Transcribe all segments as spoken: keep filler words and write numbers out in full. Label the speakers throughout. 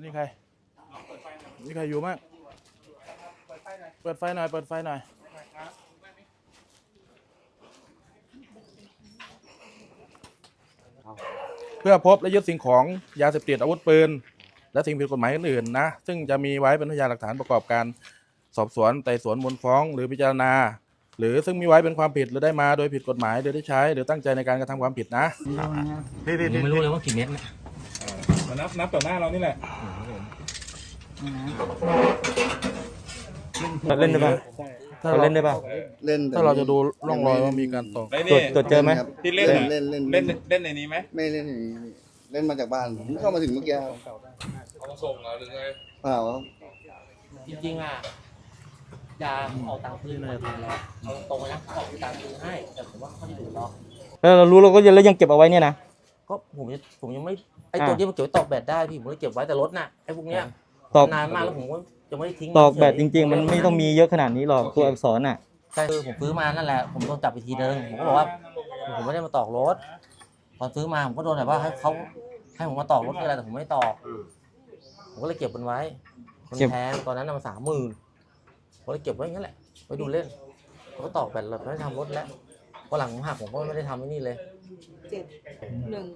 Speaker 1: นี่ใครนี่ใครอยู่มั้งเปิดไฟหน่อยเปิดไฟหน่อยเพื่อพบและยึดสิ่งของยาเสพติดอาวุธปืนและสิ่งผิดกฎหมายอื่นๆนะซึ่งจะมีไว้เป็นพยานหลักฐานประกอบการสอบสวนไต่สวนมูลฟ้องหรือพิจารณาหรือซึ่งมีไว้เป็นความผิดหรือได้มาโดยผิดกฎหมายโดยได้ใช้หรือตั้งใจในการกระทำความผิดนะ
Speaker 2: พี่พี่ไม่รู้เลยว่ากี่เม็ดนะ
Speaker 1: มานับนับต่อหน้าเรานี่แหละ
Speaker 2: เล่นได้ป่ะถ้าเล่นได้ป่ะ
Speaker 3: เล่น
Speaker 1: ถ้าเราจะดูร่องรอยว่ามีการตก
Speaker 2: ตรวจตรวจเจอไหม
Speaker 4: ที่เล่น
Speaker 3: เล่นเล่น
Speaker 4: เล่นเล่นในนี้ไหม
Speaker 3: ไม่เล่นในนี้เล่นมาจากบ้านผมเข้ามาถึงเมื่อกี้
Speaker 4: เขาส่งเหรอหรือไง
Speaker 3: เปล่าครับ
Speaker 5: จริงๆอ่ะยาออกตังค์คืนเลยแล้วเอาตรงๆนะออกตังค์คืนให้แต่ผมว่าเขาไม่ดูหรอก
Speaker 2: แล้วเรารู้เราก็ยังแล้วยังเก็บเอาไว้เนี่ยนะ
Speaker 5: ก็ผมผมยังไม่ไอตัวที่มันเก็บไว้ตอกแบตได้พี่ผมเลยเก็บไว้แต่รถน่ะไอพวกเนี้ย
Speaker 2: ตอก
Speaker 5: นานมากแล้วผมก็จะไม่ได้ทิ้ง
Speaker 2: ตอกแบตจริงๆมันไม่ต้องมีเยอะขนาดนี้หรอกตัวอักษรน่ะ
Speaker 5: ใช่คือผมซื้อมานั่นแหละผมโดนจับไปทีนึงผมก็บอกว่าผมไม่ได้มาตอกรถตอนซื้อมาผมก็โดนแบบว่าให้เขาให้ผมมาตอกรถอะไรแต่ผมไม่ตอกผมก็เลยเก็บมันไว้มันแพงตอนนั้นมันสามหมื่นผมเลยเก็บไว้อย่างนั้นแหละไว้ดูเล่นผมก็ตอกแบตเลยไม่ทำรถแล้วพอหลังผมหักผมก็ไม่ได้ทำไอ้นี่เลย
Speaker 6: เจ็ดหนึ่ง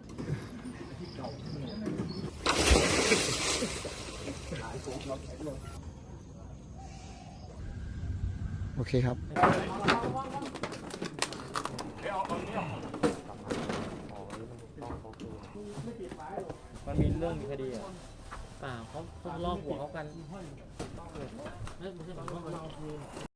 Speaker 3: โอเคครับ
Speaker 5: มันมีเรื่องมีคดีอ่ะเปล่าเขาเขาลอกหัวเขากันไม่ใช่